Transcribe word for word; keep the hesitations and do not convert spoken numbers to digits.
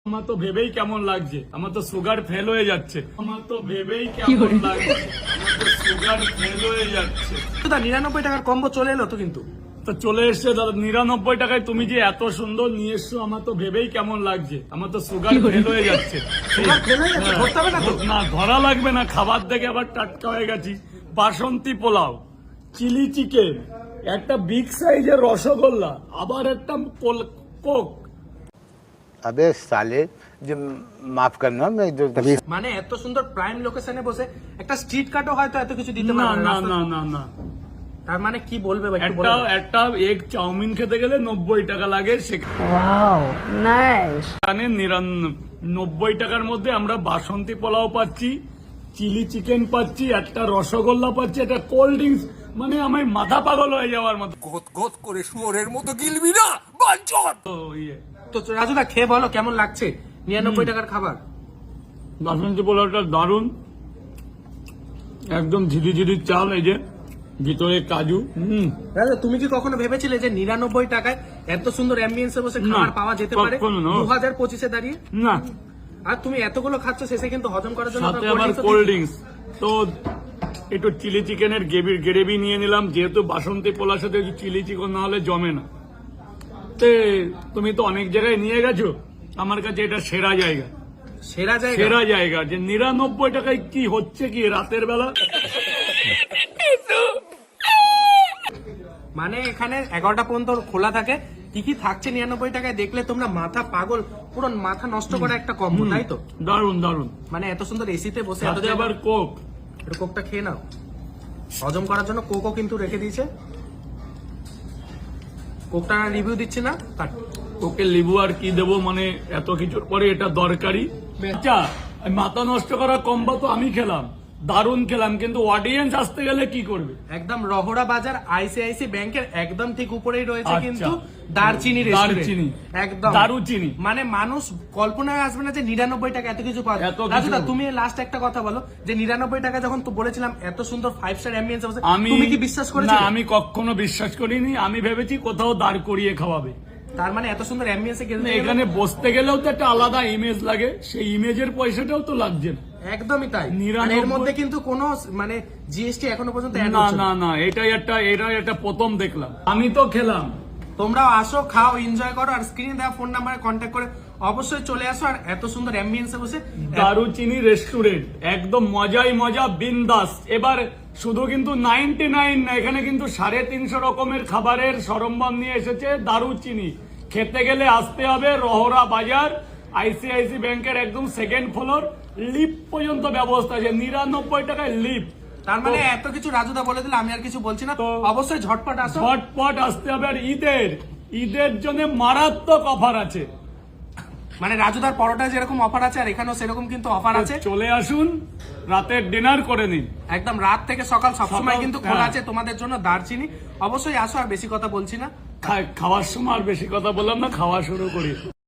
আমার তো ভেবেই কেমন লাগছে, আমার তো সুগার ফেল হয়ে যাচ্ছে। আমার তো ভেবেই কেমন লাগছে, আমার তো সুগার ফেল হয়ে যাচ্ছে। নিরানব্বই টাকার কম্বো চলে এলো তো, কিন্তু তো চলে এসছে দাদা নিরানব্বই টাকায়। তুমি যে এত সুন্দর নিয়ে এসছো, আমার তো ভেবেই কেমন লাগছে, আমার তো সুগার ফেল হয়ে যাচ্ছে। না ধরা লাগবে না, খাবার দেখে আবার টাটকা হয়ে গেছি। বাসন্তী পোলাও, চিলি চিকেন, একটা বিগ সাইজের রসগোল্লা, আবার একটা কোক। अबे साले जो माफ करना मैं जो तभी মানে এত সুন্দর প্রাইম লোকেশনে বসে একটা স্ট্রিট কাটও হয়তো এত কিছু দিতে না পারে না না না না তার মানে কি বলবে ভাই, একটু একটা বলে দাও। একটা এগ চাউমিন খেতে গেলে নব্বই টাকা লাগে, সেখানে নিরানব্বই টাকার মধ্যে আমরা বাসন্তী পোলাও পাচ্ছি, চিলি চিকেন পাচ্ছি, একটা রসগোল্লা পাচ্ছি, একটা কোল্ড ড্রিঙ্কস। মানে আমার মাথা পাগল হয়ে যাওয়ার মতো। গত গত করে শুয়োরের মতো গিলবি না বাঞ্চত। তো ইয়ে তো রাজুদা খেয়ে বলো কেমন লাগছে নিরানব্বই টাকার খাবার। বাসন্তী পোলাওটা দারুন, একদম ঝিরি ঝিরি চাল, এই যে ভিতরে কাজু। হম রাজা, তুমি কি কখনো ভেবেছিলে যে নিরানব্বই টাকায় এত সুন্দর অ্যাম্বিয়েন্সে বসে খাবার পাওয়া যেতে পারে কখনো না। দু হাজার পঁচিশে দাঁড়িয়ে? না, আর তুমি এতগুলো খাচ্ছ, শেষে কিন্তু হজম করার জন্য সাথে আবার কোল্ড ড্রিঙ্কস। তো একটু চিলি চিকেনের গ্রেভি নিয়ে নিলাম, যেহেতু বাসন্তী পোলার সাথে চিলি চিকেন না হলে জমে না। তে তুমি তো অনেক জায়গায় নিয়ে গেছো, আমার কাছে এটা সেরা জায়গা, সেরা জায়গা সেরা জায়গা। যে নিরানব্বই টাকায় কি হচ্ছে কি রাতের বেলা। মানে এখানে এগারোটা পর্যন্ত খোলা থাকে, কি কি থাকছে নিরানব্বই টাকায় দেখলে তোমরা মাথা পাগল, পুরো মাথা নষ্ট করা একটা কম্বো, তাই তো? দারুন দারুন। মানে এত সুন্দর এসিতে বসে এত সাথে আবার কোক। একটু কোকটা খেয়ে নাও, হজম করার জন্য কোকও কিন্তু রেখে দিয়েছে। কোকটা রিভিউ দিচ্ছে না, কাট। ওকে লিবু আর কি দেবো, মানে এত কিছুর পরে এটা দরকারি। আচ্ছা, মাথা নষ্ট করা কম্বা তো আমি খেলাম, দারুণ খেলাম, কিন্তু অডিয়েন্স আসতে গেলে কি করবে? একদম রহড়া বাজার আইসিআইসি ব্যাংকের একদম ঠিক উপরেই রয়েছে আচ্ছা। কিন্তু দারচিনি দারচিনি, একদম দারুচিনি। মানে মানুষ কল্পনায় আসবে না যে নিরানব্বই টাকা এত কিছু পাওয়া যায়। এত কিছু। রাজুদা, তুমি লাস্ট একটা কথা বলো, যে নিরানব্বই টাকা যখন তো বলেছিলাম এত সুন্দর ফাইভ স্টার অ্যাম্বিয়েন্স আছে, আমি তুমি কি বিশ্বাস না, করেছিলে? আমি কখনো বিশ্বাস করিনি। আমি ভেবেছি কোথাও দাঁড় করিয়ে খাওয়াবে। তার মানে এত সুন্দর অ্যাম্বিয়েন্সে না, এখানে বসতে গেলেও তো একটা আলাদা ইমেজ লাগে, সেই ইমেজের পয়সাটাও তো লাগছে না। একদমই তাই। নিরানব্বই- আর এর মধ্যে কিন্তু কোনো মানে জিএসটি এখনো পর্যন্ত add না হচ্ছে না না, এটাই একটা এটাই একটা প্রথম দেখলাম। আমি তো খেলাম। তোমরাও আসো, খাও, এনজয় করো, আর স্ক্রিনে দেওয়া ফোন নাম্বারে কন্ট্যাক্ট করে অবশ্যই চলে আসো। আর এত সুন্দর অ্যাম্বিয়েন্সে বসে দারুচিনি রেস্টুরেন্ট, একদম মজাই মজা, বিন্দাস। এবার শুধু কিন্তু নাইনটি নাইন না, এখানে কিন্তু সাড়ে তিনশো রকমের খাবারের সরঞ্জাম নিয়ে এসেছে দারুচিনি। খেতে গেলে আসতে হবে রহরা বাজার, আইসিআইসি ব্যাংকের একদম সেকেন্ড ফ্লোর, লিফট পর্যন্ত ব্যবস্থা আছে, নিরানব্বই টাকায় লিফট। তার মানে এত কিছু রাজুদা বলে দিলে, আমি আর কিছু বলছি না। তো- অবশ্যই ঝটপট আসো। ঝটপট আসতে হবে। আর ঈদের ঈদের জন্য মারাত্মক অফার আছে, মানে রাজুদার পরোটা যেরকম অফার আছে, আর এখানেও সেরকম কিন্তু অফার আছে। চলে আসুন, রাতের ডিনার করে নিন। একদম রাত থেকে সকাল সবসময় সকাল, কিন্তু খোলা হ্যাঁ। আছে তোমাদের জন্য দারচিনি। অবশ্যই আসো, আর বেশি কথা বলছি না। খা- খাওয়ার সময় আর বেশি কথা বললাম না, খাওয়া শুরু করি।